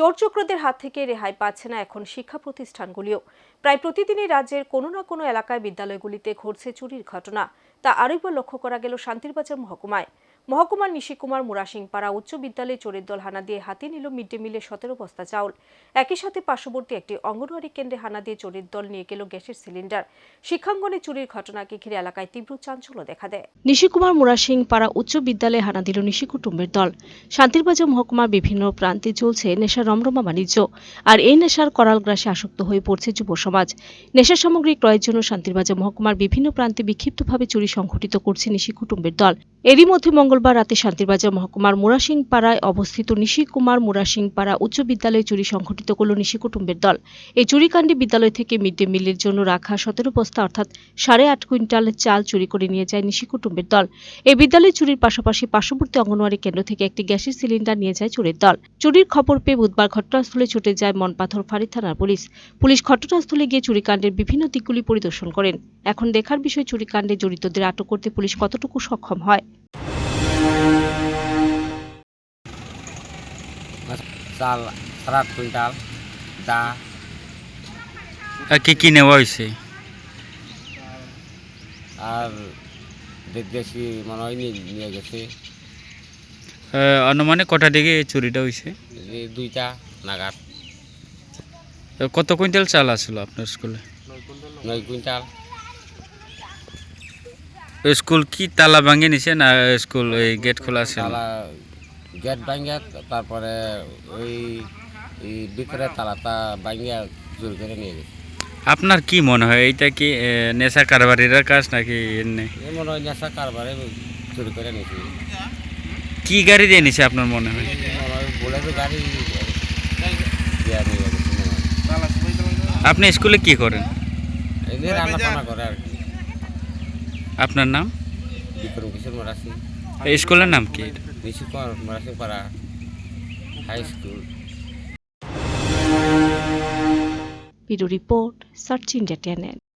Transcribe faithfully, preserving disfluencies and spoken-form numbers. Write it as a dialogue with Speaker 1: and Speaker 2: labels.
Speaker 1: চোর চক্রদের হাত থেকে রেহাই পাচ্ছে না এখন শিক্ষা প্রতিষ্ঠানগুলিও। প্রায় প্রতিদিনই রাজ্যের কোনো না কোনো এলাকায় বিদ্যালয়গুলিতে ঘটছে চুরির ঘটনা। তা আরেকবার লক্ষ্য করা গেল শান্তিরবাজার মহকুমায়। মহকুমার নিশিকুমার মুরাসিংপাড়া উচ্চ বিদ্যালয়ে চোরের দল হানা দিয়ে হাতিয়ে নিল মিড ডে মিলের সতেরো বস্তা চাউল। একই সাথে পার্শ্ববর্তী একটি অঙ্গনওয়াড়ি কেন্দ্রে হানা দিয়ে চোরের দল নিয়ে গেল গ্যাসের সিলিন্ডার। শিক্ষাঙ্গনে চুরির ঘটনাকে ঘিরে এলাকায় তীব্র চাঞ্চল্য দেখা দেয়। নিশিকুমার মুরাসিংপাড়া উচ্চ বিদ্যালয়ে হানা দিল নিশি কুটুম্বের দল। শান্তিরবাজার মহকুমার বিভিন্ন প্রান্তে চলছে নেশার রমরমা বাণিজ্য। আর এই নেশার করাল গ্রাসে আসক্ত হয়ে পড়ছে যুব সমাজ। নেশা সামগ্রী ক্রয়ের জন্য শান্তিরবাজার মহকুমার বিভিন্ন প্রান্তে বিক্ষিপ্তভাবে চুরি সংঘটিত করছে নিশি কুটুম্বের দল। এরই মধ্যে মঙ্গলবার রাতে শান্তিরবাজার মহকুমার মুরাসিংপাড়ায় অবস্থিত নিশিকুমার মুরাসিংপাড়া উচ্চ বিদ্যালয়ে চুরি সংঘটিত করল নিশি কুটুম্বের দল। এই চুরিকাণ্ডে বিদ্যালয় থেকে মিড ডে মিলের জন্য রাখা সতেরো বস্তা অর্থাৎ সাড়ে আট কুইন্টাল চাল চুরি করে নিয়ে যায় নিশি কুটুম্বের দল। এই বিদ্যালয়ে চুরির পাশাপাশি পার্শ্ববর্তী অঙ্গনওয়াড়ি কেন্দ্র থেকে একটি গ্যাসের সিলিন্ডার নিয়ে যায় চোরের দল। চুরির খবর পেয়ে বুধবার ঘটনাস্থলে ছুটে যায় মনপাথর ফাঁড়ি থানার পুলিশ। পুলিশ ঘটনাস্থলে গিয়ে চুরিকাণ্ডের বিভিন্ন দিকগুলি পরিদর্শন করেন। এখন দেখার বিষয় চুরিকাণ্ডে জড়িতদের আটক করতে পুলিশ কতটুকু সক্ষম হয়।
Speaker 2: চাল সাড়ে আট কুইন্টাল দা
Speaker 3: কি কি নেওয়া হয়েছে
Speaker 2: আর দেশি মনে হয় নিয়ে গেছে।
Speaker 3: অনুমানে কটা দিকে চুরিটা হয়েছে?
Speaker 2: দুইটা নাগাদ।
Speaker 3: কত কুইন্টাল চাল আসলো আপনার স্কুলে?
Speaker 2: নয় কুইন্টাল।
Speaker 3: স্কুল কি তালা ভাঙে নিছে না স্কুল এই গেট খোলা আছে?
Speaker 2: তালা গেট ভাঙিয়া তারপরে ওই ভিতরে তালাটা ভাঙিয়া চুরি করে নিয়ে গেছে।
Speaker 3: আপনার কি মনে হয় এইটা কি নেশা কারবারিরা কাজ নাকি এমনি?
Speaker 2: মনে হয় নেশা কারবারে চুরি করে নিয়েছে।
Speaker 3: কি গাড়ি দিয়ে নিছে আপনার মনে হয়?
Speaker 2: বলে তো গাড়ি।
Speaker 3: আপনি স্কুলে কি করেন?
Speaker 2: রান্না বান্না করে আর কি।
Speaker 3: আপনার নাম?
Speaker 2: বিক্রম কিশোর মুরাসি।
Speaker 3: এই স্কুলের নাম কি?
Speaker 2: Nishikumar Murasingpara high school.
Speaker 1: Bureau report, search India channel.